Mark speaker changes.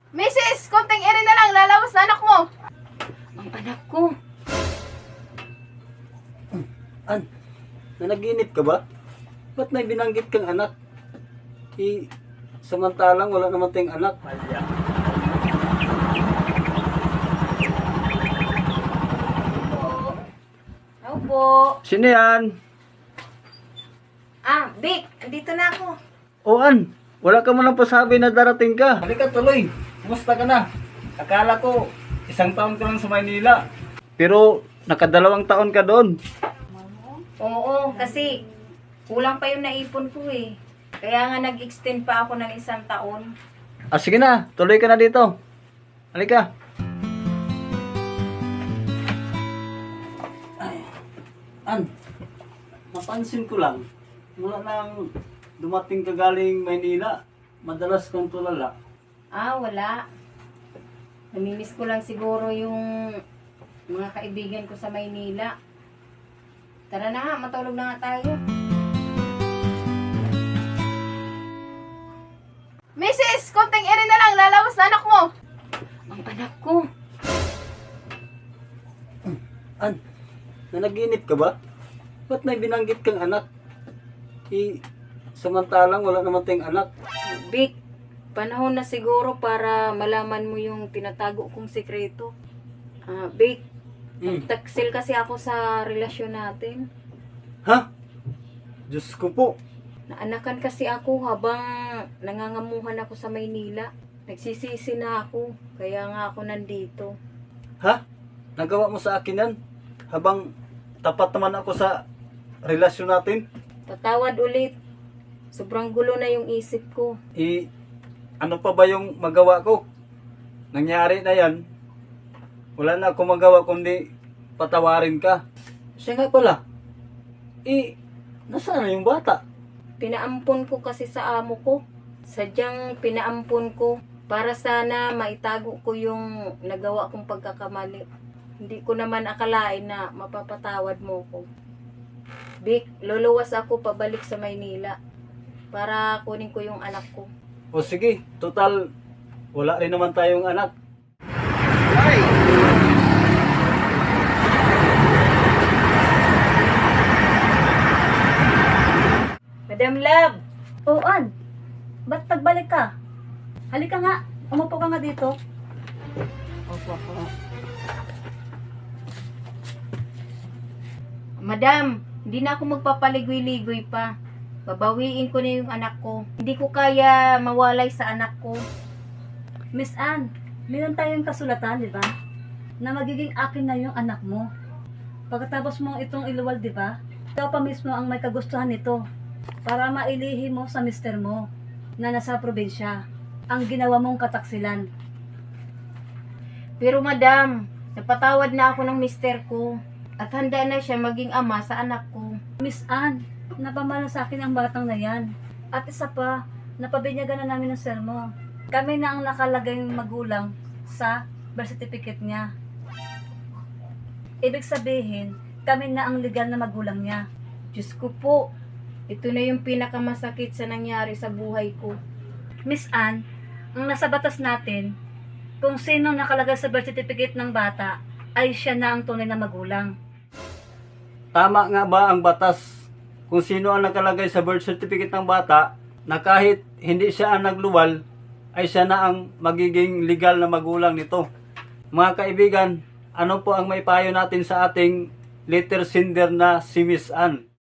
Speaker 1: Mrs. Konting eri na lang, lalawas na anak mo.
Speaker 2: Ang anak ko.
Speaker 3: An, nanaginip ka ba? Ba't may binanggit kang anak? Samantalang wala naman tayong anak.
Speaker 2: Ako po.
Speaker 3: Sino yan?
Speaker 2: Ah, Vic, andito na ako.
Speaker 3: O An, wala ka mo nang pasabi na darating ka. Halika tuloy, kumusta ka na? Akala ko, 1 taon ka lang sa Maynila. Pero, nakadalawang taon ka doon.
Speaker 2: Oo, kasi kulang pa yung naipon ko eh. Kaya nga nag-extend pa ako ng 1 taon.
Speaker 3: Ah, sige na, tuloy ka na dito. Halika. Ay, An, napansin ko lang, mula nang dumating ka galing Maynila, madalas kang tulala.
Speaker 2: Ah, wala. Namimiss ko lang siguro yung mga kaibigan ko sa Maynila. Tara na nga, matulog na nga tayo.
Speaker 1: Mrs. Konting eri na lang, lalawas na anak mo.
Speaker 2: Ang anak ko.
Speaker 3: An, nanaginip ka ba? Ba't may binanggit kang anak? Samantalang wala naman tayong anak.
Speaker 2: Vic, panahon na siguro para malaman mo yung tinatago kong sekreto. Ah, Vic, taksil kasi ako sa relasyon natin.
Speaker 3: Ha? Diyos ko po.
Speaker 2: Naanakan kasi ako habang nangangamuhan ako sa Maynila. Nagsisisi na ako, kaya nga ako nandito.
Speaker 3: Ha? Nagawa mo sa akin yan? Habang tapat naman ako sa relasyon natin?
Speaker 2: Patawad ulit. Sobrang gulo na yung isip ko.
Speaker 3: Ano pa ba yung magawa ko? Nangyari na yan. Wala na akong magawa kundi patawarin ka. Siya nga pala. Nasaan na yung bata?
Speaker 2: Pinaampon ko kasi sa amo ko. Sadyang pinaampon ko para sana maitago ko yung nagawa kong pagkakamali. Hindi ko naman akalain na mapapatawad mo ko. Vic, luluwas ako pabalik sa Maynila para kunin ko yung anak ko.
Speaker 3: O sige, total, wala rin naman tayong anak.
Speaker 2: Madam Love!
Speaker 4: Oo, An. Ba't pagbalik ka? Halika nga. Umupo ka nga dito.
Speaker 2: Opo. Madam, hindi na ako magpapaligoy-ligoy pa. Babawiin ko na yung anak ko. Hindi ko kaya mawalay sa anak ko.
Speaker 4: Miss Ann, meron tayong kasulatan, di ba? Na magiging akin na yung anak mo. Pagkatapos mo itong iluwal, di ba? Ikaw pa mismo ang may kagustuhan nito. Para mailihi mo sa mister mo na nasa probinsya ang ginawa mong kataksilan.
Speaker 2: Pero madam, napatawad na ako ng mister ko. At handa na siya maging ama sa anak ko.
Speaker 4: Miss Ann, napamana sa akin ang batang na yan. At isa pa, napabinyagan na namin ng sir mo. Kami na ang nakalagay magulang sa birth certificate niya. Ibig sabihin, kami na ang legal na magulang niya.
Speaker 2: Diyos ko po, ito na yung pinakamasakit sa nangyari sa buhay ko.
Speaker 4: Miss Ann, ang nasa batas natin, kung sino nakalagay sa birth certificate ng bata, ay siya na ang tunay na magulang.
Speaker 3: Tama nga ba ang batas kung sino ang nakalagay sa birth certificate ng bata na kahit hindi siya ang nagluwal, ay siya na ang magiging legal na magulang nito? Mga kaibigan, ano po ang may payo natin sa ating letter sender na si Miss Ann?